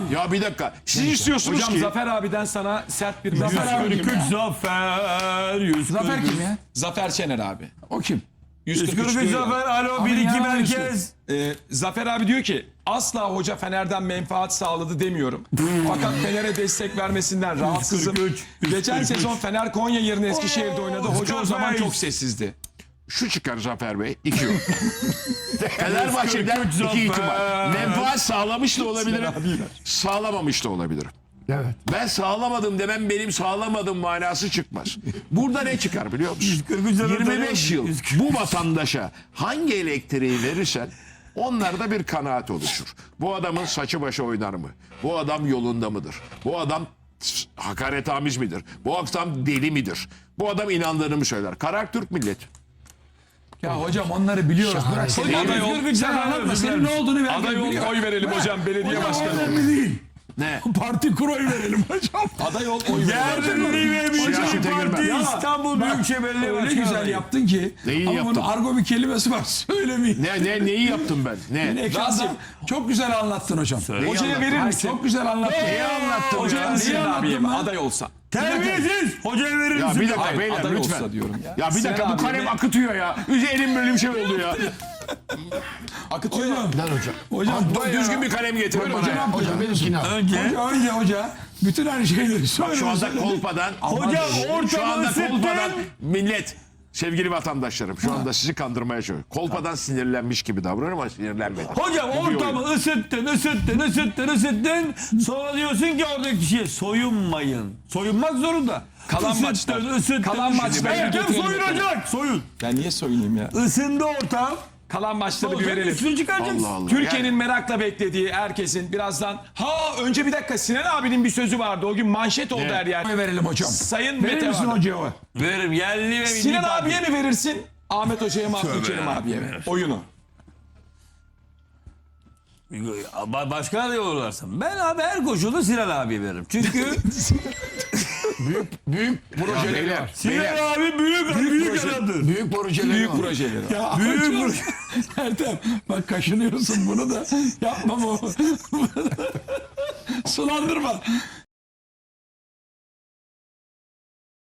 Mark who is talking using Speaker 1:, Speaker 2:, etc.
Speaker 1: Ya bir dakika. Siz istiyorsunuz
Speaker 2: Hocam
Speaker 1: ki...
Speaker 2: Zafer abiden sana sert bir
Speaker 3: Zafer abi kim ya?
Speaker 4: Zafer 143.
Speaker 3: Zafer kim ya?
Speaker 2: Zafer Şener abi.
Speaker 3: O kim?
Speaker 4: 143
Speaker 2: diyor ya.
Speaker 4: Zafer. Alo
Speaker 3: Abi
Speaker 4: 1-2
Speaker 3: ya,
Speaker 4: merkez.
Speaker 2: Zafer abi diyor ki asla hoca Fener'den menfaat sağladı demiyorum. Fakat Fener'e destek vermesinden rahatsızım.
Speaker 4: 143.
Speaker 2: Geçen sezon Fener Konya yerine Eskişehir'de oynadı. Hoca o zaman
Speaker 4: Zafer.
Speaker 2: çok sessizdi.
Speaker 1: Şu çıkar Zafer Bey. 2 yok. Fenerbahçe'den
Speaker 4: 143
Speaker 1: 2 ihtimal.
Speaker 4: Zafer.
Speaker 1: Menfaat sağlamış da olabilirim. Sağlamamış da olabilirim.
Speaker 3: Evet.
Speaker 1: Ben sağlamadım demem benim sağlamadım manası çıkmaz. Burada ne çıkar biliyor musun?
Speaker 4: 143 Zafer.
Speaker 1: 25 yıl
Speaker 4: 143.
Speaker 1: bu vatandaşa hangi elektriği verirsen onlarda bir kanaat oluşur. Bu adamın saçı başı oynar mı? Bu adam yolunda mıdır? Bu adam hakaretamiz midir? Bu adam deli midir? Bu adam inandığını mı söyler? Karar Türk milleti.
Speaker 3: Ya hocam onları biliyoruz. Bırak seni.
Speaker 2: Hocam, aday ol.
Speaker 3: Sen anlatma. Senin ne olduğunu ver.
Speaker 2: Aday ol, oy verelim hocam belediye başkanı.
Speaker 3: Önemli değil.
Speaker 1: Ne?
Speaker 3: Parti kur oy verelim hocam.
Speaker 2: Aday ol, oy verelim.
Speaker 4: Yerli ve Milli
Speaker 1: Siyasete
Speaker 4: Parti
Speaker 1: girmem.
Speaker 4: İstanbul Büyükşehir Belediye
Speaker 3: Öyle
Speaker 4: Başkanı.
Speaker 3: güzel yaptın ki.
Speaker 1: Neyi
Speaker 3: ama
Speaker 1: yaptım?
Speaker 3: bunun argo bir kelimesi var. Söylemeyeyim.
Speaker 1: Neyi yaptım ben? Ne?
Speaker 3: Ekranda çok güzel anlattın hocam.
Speaker 2: Hocaya
Speaker 1: anlattın?
Speaker 2: verir
Speaker 3: Ay,
Speaker 2: misin?
Speaker 3: çok güzel anlattın.
Speaker 1: Neyi anlattım
Speaker 2: Hocaya
Speaker 1: ya?
Speaker 2: verir
Speaker 3: Neyi
Speaker 2: abiye
Speaker 3: anlattın ben?
Speaker 2: aday olsa.
Speaker 4: Terbiyesiz. Hocaya verir
Speaker 1: Ya
Speaker 4: misin?
Speaker 1: bir dakika
Speaker 2: Hayır,
Speaker 1: beyler
Speaker 2: aday
Speaker 1: lütfen.
Speaker 2: olsa diyorum ya.
Speaker 1: Ya bir dakika
Speaker 2: Sinan
Speaker 1: bu kalem
Speaker 2: abime-
Speaker 1: akıtıyor ya. Elim böyle bir şey oldu ya.
Speaker 2: Akıtıyor ya.
Speaker 3: Hocam
Speaker 1: Düzgün bir kalem getirin bana. ya.
Speaker 3: hocam benimkini al.
Speaker 4: Önce.
Speaker 3: Önce hoca bütün her şeyleri söyle.
Speaker 1: Şu anda kolpadan.
Speaker 4: Hocam
Speaker 1: Şu
Speaker 4: ortamı
Speaker 1: anda kolpadan
Speaker 4: ısıttın.
Speaker 1: millet. Sevgili vatandaşlarım şu anda sizi kandırmaya çalışıyorum. Kolpadan sinirlenmiş gibi davranıyorum ama sinirlenmedim.
Speaker 4: Hocam
Speaker 1: Bu bir
Speaker 4: ortamı
Speaker 1: oyun.
Speaker 4: ısıttın. Sonra diyorsun ki oradaki kişiye soyunmayın. Soyunmak zorunda.
Speaker 2: Kalan maçlar. Kalan maçlar
Speaker 4: Erken
Speaker 2: getirelim.
Speaker 4: soyunacak. Soyun.
Speaker 2: Ya niye söyleyeyim ya?
Speaker 4: Isındı ortam.
Speaker 2: Kalan maçları bir
Speaker 4: Hocam
Speaker 2: verelim.
Speaker 4: üstünü çıkaracaksın.
Speaker 1: Allah Allah.
Speaker 2: Türkiye'nin merakla beklediği herkesin birazdan... Önce bir dakika Sinan abinin bir sözü vardı. O gün manşet oldu her yer.
Speaker 3: Oy verelim hocam.
Speaker 2: Sayın
Speaker 3: Verir
Speaker 2: Mete
Speaker 3: misin
Speaker 2: abi.
Speaker 3: hocaya oy?
Speaker 4: Veririm yerli ve milli
Speaker 2: Sinan
Speaker 4: parti.
Speaker 2: abiye mi verirsin? Ahmet Hoca'ya mı Abdülkerim abiye mi? Oyunu.
Speaker 4: Başka aday olurlarsa. Ben abi her koşulda Sinan abiye veririm. Çünkü
Speaker 3: Büyük projeleri
Speaker 1: Beyler,
Speaker 3: var.
Speaker 4: Sinan
Speaker 1: beyler.
Speaker 4: abi büyük adamdır.
Speaker 3: Büyük projeleri
Speaker 2: Büyük
Speaker 3: var.
Speaker 2: projeleri.
Speaker 3: Ya
Speaker 4: Büyük
Speaker 3: hocam,
Speaker 4: proje.
Speaker 3: Ertem bak kaşınıyorsun bunu da yapma bu. Sulandırma.